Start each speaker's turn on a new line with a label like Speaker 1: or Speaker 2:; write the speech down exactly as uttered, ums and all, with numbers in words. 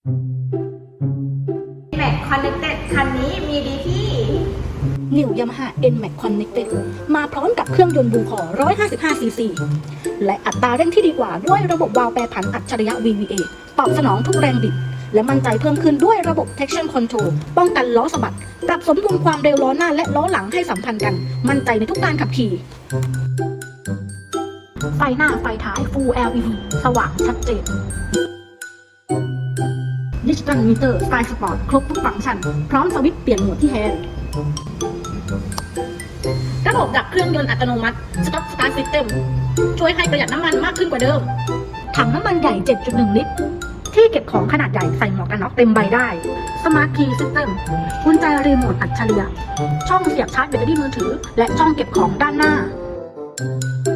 Speaker 1: Max Connected คันนี้มีดีที่
Speaker 2: New Yamaha เอ็น แม็กซ์ Connected มาพร้อมกับเครื่องยนต์ Blue Core หนึ่งร้อยห้าสิบห้า ซี ซี และอัตราเร่งที่ดีกว่าด้วยระบบวาล์วแปรผันอัจฉริยะ วี วี เอ ตอบสนองทุกแรงบิดและมั่นใจเพิ่มขึ้นด้วยระบบ Traction Control ป้องกันล้อสะบัดปรับสมดุลความเร็วล้อหน้าและล้อหลังให้สัมพันธ์กันมั่นใจในทุกการขับขี่ไฟหน้าไฟท้าย Full แอล อี ดี สว่างชัดเจน Digital Meter Style Sport ครบทุกฟังก์ชันพร้อมสวิตช์เปลี่ยนโหมดที่แฮนด์ระบบดับเครื่องยนต์อัตโนมัติ Stop Start System ช่วยให้ประหยัดน้ำมันมากขึ้นกว่าเดิมถังน้ำมันใหญ่ เจ็ดจุดหนึ่ง ลิตรที่เก็บของขนาดใหญ่ใส่หมวกกันน็อกเต็มใบได้ Smart Key System กุญแจรีโมทอัจฉริยะช่องเสียบชาร์จแบตเตอรี่มือถือและช่องเก็บของด้านหน้า